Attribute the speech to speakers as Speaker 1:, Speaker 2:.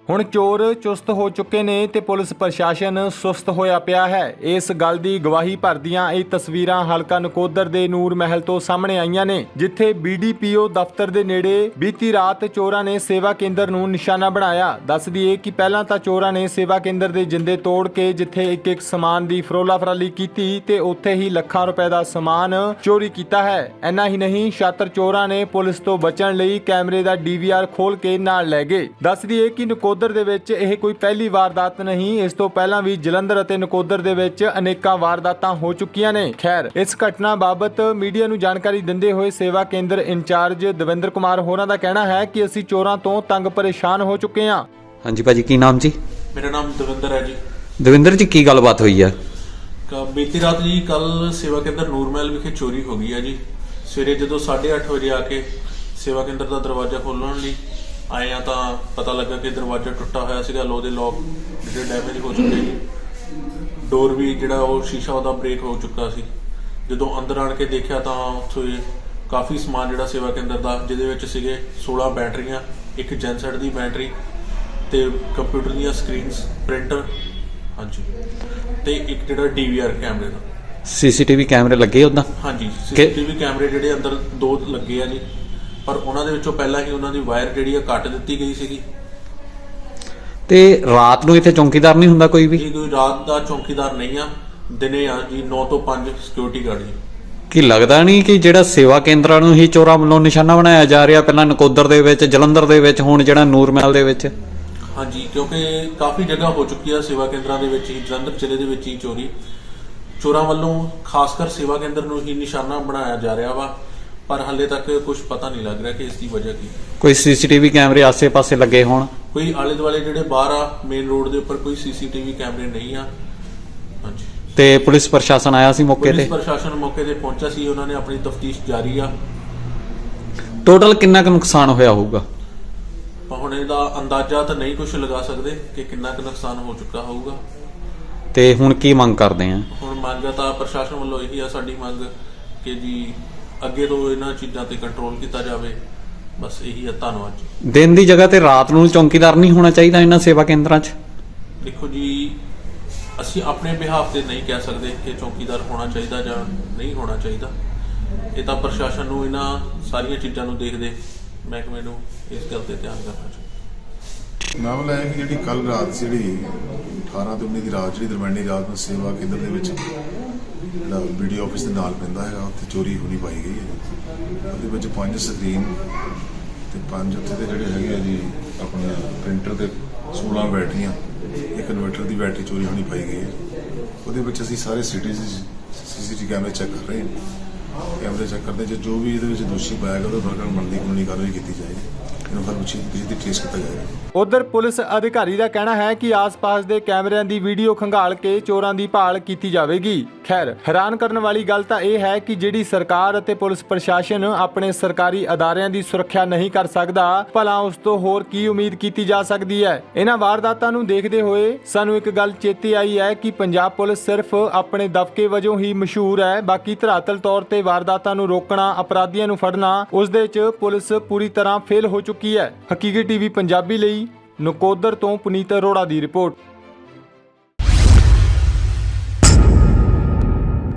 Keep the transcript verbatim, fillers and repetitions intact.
Speaker 1: ਹੁਣ ਚੋਰ ਚੁਸਤ ਹੋ ਚੁੱਕੇ ਨੇ ਤੇ ਪੁਲਿਸ ਪ੍ਰਸ਼ਾਸਨ ਸੁਸਤ ਹੋਇਆ ਪਿਆ ਹੈ। ਇਸ ਗੱਲ ਦੀ ਗਵਾਹੀ ਭਰਦੀਆਂ ਇਹ ਤਸਵੀਰਾਂ ਹਲਕਾ ਨਕੋਦਰ ਦੇ ਨੂਰ ਮਹਿਲ ਤੋਂ ਸਾਹਮਣੇ ਆਈਆਂ ਨੇ, ਜਿੱਥੇ ਬੀ ਡੀ ਪੀ ਓ ਦਫ਼ਤਰ ਦੇ ਨੇੜੇ ਬੀਤੀ ਰਾਤ ਚੋਰਾਂ ਨੇ ਸੇਵਾ ਕੇਂਦਰ ਨੂੰ ਨਿਸ਼ਾਨਾ ਬਣਾਇਆ। ਦੱਸ ਦਈਏ ਕਿ ਪਹਿਲਾਂ ਤਾਂ ਚੋਰਾਂ ਨੇ ਸੇਵਾ ਕੇਂਦਰ ਦੇ ਜਿੰਦੇ ਤੋੜ ਕੇ ਜਿੱਥੇ ਇੱਕ ਇੱਕ ਸਮਾਨ ਦੀ ਫਰੋਲਾ ਫਰਾਲੀ ਕੀਤੀ ਤੇ ਉੱਥੇ ਹੀ ਲੱਖਾਂ ਰੁਪਏ ਦਾ ਸਮਾਨ ਚੋਰੀ ਕੀਤਾ ਹੈ। ਇੰਨਾ ਹੀ ਨਹੀਂ, ਸ਼ਾਤਰ ਚੋਰਾਂ ਨੇ ਪੁਲਿਸ ਤੋਂ ਬਚਣ ਲਈ ਕੈਮਰੇ ਦਾ ਡੀ ਵੀ ਆਰ ਖੋਲ ਕੇ ਨਾਲ ਲੈ ਗਏ। ਦੱਸ ਦਈਏ ਕਿ ਨਕੋਦਰ ਦੇ ਵਿੱਚ ਇਹ ਕੋਈ ਪਹਿਲੀ ਵਾਰਦਾਤ ਨਹੀਂ, ਇਸ ਤੋਂ ਪਹਿਲਾਂ ਵੀ ਜਲੰਧਰ ਅਤੇ ਨਕੋਦਰ ਦੇ ਵਿੱਚ ਅਨੇਕਾਂ ਵਾਰਦਾਤਾਂ ਹੋ ਚੁੱਕੀਆਂ ਨੇ। ਖੈਰ, ਇਸ ਘਟਨਾ ਬਾਬਤ ਮੀਡੀਆ ਨੂੰ ਜਾਣਕਾਰੀ ਦਿੰਦੇ ਹੋਏ ਸੇਵਾ ਕੇਂਦਰ ਇੰਚਾਰਜ ਦਵਿੰਦਰ ਕੁਮਾਰ ਹੋਰਾਂ ਦਾ ਕਹਿਣਾ ਹੈ ਕਿ ਅਸੀਂ ਚੋਰਾਂ ਤੋਂ ਤੰਗ ਪਰੇਸ਼ਾਨ ਹੋ ਚੁੱਕੇ ਹਾਂ।
Speaker 2: ਹਾਂਜੀ ਭਾਜੀ, ਕੀ ਨਾਮ ਜੀ?
Speaker 3: ਮੇਰਾ ਨਾਮ ਦਵਿੰਦਰ ਹੈ ਜੀ।
Speaker 2: ਦਵਿੰਦਰ ਜੀ, ਕੀ ਗੱਲਬਾਤ ਹੋਈ ਆ?
Speaker 3: ਬੀਤੀ ਰਾਤ ਜੀ ਕੱਲ ਸੇਵਾ ਕੇਂਦਰ ਨੂਰ ਮਹਿਲ ਵਿਖੇ ਚੋਰੀ ਹੋ ਗਈ ਹੈ ਜੀ। ਸਵੇਰੇ ਜਦੋਂ ਸਾਢੇ ਅੱਠ ਵਜੇ ਆ ਕੇ ਸੇਵਾ ਕੇਂਦਰ ਦਾ ਦਰਵਾਜ਼ਾ ਖੋਲ੍ਹਣ ਲਈ ਆਏ ਆ ਤਾਂ ਪਤਾ ਲੱਗਾ ਕਿ ਦਰਵਾਜ਼ਾ ਟੁੱਟਾ ਹੋਇਆ ਸੀਗਾ, ਲੋਹ ਦੇ ਲੋਕ ਜਿਹੜੇ ਡੈਮੇਜ ਹੋ ਚੁੱਕੇ ਜੀ। ਡੋਰ ਵੀ ਜਿਹੜਾ ਉਹ ਸ਼ੀਸ਼ਾ ਉਹਦਾ ਬ੍ਰੇਕ ਹੋ ਚੁੱਕਾ ਸੀ। ਜਦੋਂ ਅੰਦਰ ਆਣ ਕੇ ਦੇਖਿਆ ਤਾਂ ਉੱਥੇ ਕਾਫੀ ਸਮਾਨ ਜਿਹੜਾ ਸੇਵਾ ਕੇਂਦਰ ਦਾ, ਜਿਹਦੇ ਵਿੱਚ ਸੀਗੇ ਸੋਲਾਂ ਬੈਟਰੀਆਂ, ਇੱਕ ਜੈਨਸੈਟ ਦੀ ਬੈਟਰੀ ਤੇ ਕੰਪਿਊਟਰ ਦੀਆਂ ਸਕਰੀਨਸ, ਪ੍ਰਿੰਟਰ, ਹਾਂਜੀ, ਤੇ ਇੱਕ ਜਿਹੜਾ ਡੀ ਵੀ ਆਰ ਕੈਮਰੇ ਦਾ।
Speaker 2: ਸੀ ਸੀ ਟੀ ਵੀ ਕੈਮਰੇ ਲੱਗੇ ਉਦਾਂ?
Speaker 3: ਹਾਂਜੀ, ਸੀ ਸੀ ਟੀ ਵੀ ਕੈਮਰੇ ਜਿਹੜੇ ਅੰਦਰ ਦੋ ਲੱਗੇ ਆ ਜੀ, ਪਰ ਉਹਨਾਂ ਦੇ ਵਿੱਚੋਂ ਪਹਿਲਾਂ ਹੀ ਉਹਨਾਂ ਦੀ ਵਾਇਰ ਜਿਹੜੀ ਆ ਕੱਟ ਦਿੱਤੀ ਗਈ ਸੀਗੀ।
Speaker 2: ਤੇ ਰਾਤ ਨੂੰ ਇੱਥੇ ਚੌਕੀਦਾਰ ਨਹੀਂ ਹੁੰਦਾ ਕੋਈ ਵੀ?
Speaker 3: ਜੀ ਕੋਈ ਰਾਤ ਦਾ ਚੌਕੀਦਾਰ ਨਹੀਂ ਆ, ਦਿਨੇ ਆ ਜੀ, ਨੌ ਤੋਂ ਪੰਜ ਸਿਕਿਉਰਿਟੀ ਗਾਰਡ ਜੀ।
Speaker 2: ਕੀ ਲੱਗਦਾ ਨਹੀਂ ਕਿ ਜਿਹੜਾ ਸੇਵਾ ਕੇਂਦਰਾਂ ਨੂੰ ਹੀ ਚੋਰਾਂ ਵੱਲੋਂ ਨਿਸ਼ਾਨਾ ਬਣਾਇਆ ਜਾ ਰਿਹਾ, ਪਹਿਲਾਂ ਨਕੋਦਰ ਦੇ ਵਿੱਚ, ਜਲੰਧਰ ਦੇ ਵਿੱਚ, ਹੁਣ ਜਿਹੜਾ ਨੂਰ ਮਹਿਲ ਦੇ ਵਿੱਚ?
Speaker 3: ਹਾਂਜੀ, ਕਿਉਂਕਿ ਕਾਫੀ ਜਗ੍ਹਾ ਹੋ ਚੁੱਕੀ ਆ ਸੇਵਾ ਕੇਂਦਰਾਂ ਦੇ ਵਿੱਚ ਹੀ, ਜਲੰਧਰ ਜ਼ਿਲ੍ਹੇ ਦੇ ਵਿੱਚ ਹੀ ਚੋਰੀ ਚੋਰਾਂ ਵੱਲੋਂ ਖਾਸ ਕਰ ਸੇਵਾ ਕੇਂਦਰ ਨੂੰ ਹੀ ਨਿਸ਼ਾਨਾ ਬਣਾਇਆ ਜਾ ਰਿਹਾ ਵਾ, ਪਰ ਹਾਲੇ ਤੱਕ ਕੁਝ ਪਤਾ ਨਹੀਂ ਲੱਗ ਰਿਹਾ ਕਿ ਇਸ ਦੀ ਵਜ੍ਹਾ ਕੀ।
Speaker 2: ਕੋਈ ਸੀ ਸੀ ਟੀ ਵੀ ਕੈਮਰੇ ਆਸੇ-ਪਾਸੇ ਲੱਗੇ ਹੋਣ?
Speaker 3: ਕੋਈ ਆਲੇ ਦੁਆਲੇ ਜਿਹੜੇ ਬਾਹਰ ਆ ਮੇਨ ਰੋਡ ਦੇ ਉੱਪਰ ਕੋਈ ਸੀ ਸੀ ਟੀ ਵੀ ਕੈਮਰੇ ਨਹੀਂ ਆ। ਹਾਂਜੀ, ਤੇ
Speaker 2: ਪੁਲਿਸ ਪ੍ਰਸ਼ਾਸਨ ਆਇਆ ਸੀ ਮੌਕੇ ਤੇ?
Speaker 3: ਪੁਲਿਸ ਪ੍ਰਸ਼ਾਸਨ ਮੌਕੇ ਤੇ ਪਹੁੰਚਿਆ ਸੀ, ਉਹਨਾਂ ਨੇ ਆਪਣੀ ਤਫਤੀਸ਼ ਜਾਰੀ ਆ।
Speaker 2: ਟੋਟਲ ਕਿੰਨਾ ਕੁ ਨੁਕਸਾਨ ਹੋਇਆ ਹੋਊਗਾ?
Speaker 3: ਹੁਣ ਇਹਦਾ ਅੰਦਾਜ਼ਾ ਤਾਂ ਨਹੀਂ ਕੁਝ ਲਗਾ ਸਕਦੇ ਕਿ ਕਿੰਨਾ ਕੁ ਨੁਕਸਾਨ ਹੋ ਚੁੱਕਾ ਹੋਊਗਾ।
Speaker 2: ਤੇ ਹੁਣ ਕੀ ਮੰਗ ਕਰਦੇ ਆ?
Speaker 3: ਹੁਣ ਮੰਗ ਤਾਂ ਪ੍ਰਸ਼ਾਸਨ ਵੱਲੋਂ ਇਹੀ ਆ ਸਾਡੀ ਮੰਗ ਕਿ ਜੀ ਅੱਗੇ ਤੋਂ ਇਹਨਾਂ ਚੀਜ਼ਾਂ ਤੇ ਕੰਟਰੋਲ ਕੀਤਾ ਜਾਵੇ, ਬਸ ਇਹੀ ਆ। ਧੰਨਵਾਦ ਜੀ।
Speaker 2: ਦਿਨ ਦੀ ਜਗ੍ਹਾ ਤੇ ਰਾਤ ਨੂੰ ਚੌਕੀਦਾਰ ਨਹੀਂ ਹੋਣਾ ਚਾਹੀਦਾ ਇਹਨਾਂ ਸੇਵਾ ਕੇਂਦਰਾਂ 'ਚ?
Speaker 3: ਦੇਖੋ ਜੀ, ਅਸੀਂ ਆਪਣੇ ਬਿਹਾਫ ਤੇ ਨਹੀਂ ਕਹਿ ਸਕਦੇ ਕਿ ਚੌਕੀਦਾਰ ਹੋਣਾ ਚਾਹੀਦਾ ਜਾਂ ਨਹੀਂ ਹੋਣਾ ਚਾਹੀਦਾ। ਇਹ ਤਾਂ ਪ੍ਰਸ਼ਾਸਨ ਨੂੰ ਇਹਨਾਂ ਸਾਰੀਆਂ ਚੀਜ਼ਾਂ ਨੂੰ ਦੇਖਦੇ ਮਹਿਕਮੇ ਨੂੰ ਇਸ ਗੱਲ ਤੇ ਧਿਆਨ ਕਰਨਾ ਚਾਹੀਦਾ।
Speaker 4: ਮਾਮਲਾ ਹੈ ਕਿ ਜਿਹੜੀ ਕੱਲ ਰਾਤ ਜਿਹੜੀ ਅਠਾਰਾਂ ਤੋਂ ਉੱਨੀ ਦੀ ਰਾਤ, ਜਿਹੜੀ ਦਰਮਿਆਨੀ ਰਾਤ ਨੂੰ ਸੇਵਾ ਕੇਂਦਰ ਦੇ ਵਿੱਚ ਜਿਹੜਾ ਬੀ ਡੀ ਆਫਿਸ ਦੇ ਨਾਲ ਪੈਂਦਾ ਹੈਗਾ, ਉੱਥੇ ਚੋਰੀ ਹੋਣੀ ਪਾਈ ਗਈ ਹੈ। ਉਹਦੇ ਵਿੱਚ ਪੰਜ ਸਕਰੀਨ ਤੇ ਪੰਜ ਉੱਥੇ ਦੇ ਜਿਹੜੇ ਹੈਗੇ ਆ ਜੀ ਆਪਣੇ ਪ੍ਰਿੰਟਰ ਤੇ ਸੋਲਾਂ ਬੈਟਰੀਆਂ, ਇੱਕ ਇਨਵਰਟਰ ਦੀ ਬੈਟਰੀ ਚੋਰੀ ਹੋਣੀ ਪਾਈ ਗਈ ਹੈ। ਉਹਦੇ ਵਿੱਚ ਅਸੀਂ ਸਾਰੇ ਸਿਟੀ ਸੀ ਸੀ ਟੀ ਕੈਮਰੇ ਚੈੱਕ ਕਰ ਰਹੇ ਹਾਂ। ਕੈਮਰੇ ਚੈੱਕ ਕਰਦੇ ਜੇ ਜੋ ਵੀ ਇਹਦੇ ਵਿੱਚ ਦੋਸ਼ੀ ਪਾਇਆ ਗਿਆ ਉਹਦੇ ਵਰਗਣ ਬਣਦੀ ਕਾਨੂੰਨੀ ਕਾਰਵਾਈ ਕੀਤੀ ਜਾਏਗੀ।
Speaker 1: ਉਧਰ ਪੁਲਿਸ ਅਧਿਕਾਰੀ ਦਾ ਕਹਿਣਾ ਹੈ ਕਿ ਆਸ-ਪਾਸ ਦੇ ਕੈਮਰਿਆਂ ਦੀ ਵੀਡੀਓ ਖੰਗਾਲ ਕੇ ਚੋਰਾਂ ਦੀ ਭਾਲ ਕੀਤੀ ਜਾਵੇਗੀ। ਖੈਰ, ਹੈਰਾਨ ਕਰਨ ਵਾਲੀ ਗੱਲ ਤਾਂ ਇਹ ਹੈ ਕਿ ਜਿਹੜੀ ਸਰਕਾਰ ਅਤੇ ਪੁਲਿਸ ਪ੍ਰਸ਼ਾਸਨ ਆਪਣੇ ਸਰਕਾਰੀ ਅਦਾਰਿਆਂ ਦੀ ਸੁਰੱਖਿਆ ਨਹੀਂ ਕਰ ਸਕਦਾ, ਭਲਾ ਉਸ ਤੋਂ ਹੋਰ ਕੀ ਉਮੀਦ ਕੀਤੀ ਜਾ ਸਕਦੀ ਹੈ। ਇਹਨਾਂ ਵਾਰਦਾਤਾਂ ਨੂੰ ਦੇਖਦੇ ਹੋਏ ਸਾਨੂੰ ਇੱਕ ਗੱਲ ਚੇਤੇ ਆਈ ਹੈ ਕਿ ਪੰਜਾਬ ਪੁਲਿਸ ਸਿਰਫ ਆਪਣੇ ਦਬਕੇ ਵਜੋਂ ਹੀ ਮਸ਼ਹੂਰ ਹੈ, ਬਾਕੀ ਧਰਾਤਲ ਤੌਰ ਤੇ ਵਾਰਦਾਤਾਂ ਨੂੰ ਰੋਕਣਾ, ਅਪਰਾਧੀਆਂ ਨੂੰ ਫੜਨਾ, ਉਸ ਦੇ 'ਚ ਪੁਲਿਸ ਪੂਰੀ ਤਰ੍ਹਾਂ ਫੇਲ ਹੋ ਚੁੱਕੀ ਹੈ। ਹਕੀਕਤ ਟੀਵੀ ਪੰਜਾਬੀ ਲਈ ਨਕੋਦਰ ਤੋਂ ਪੁਨੀਤ ਅਰੋੜਾ ਦੀ ਰਿਪੋਰਟ।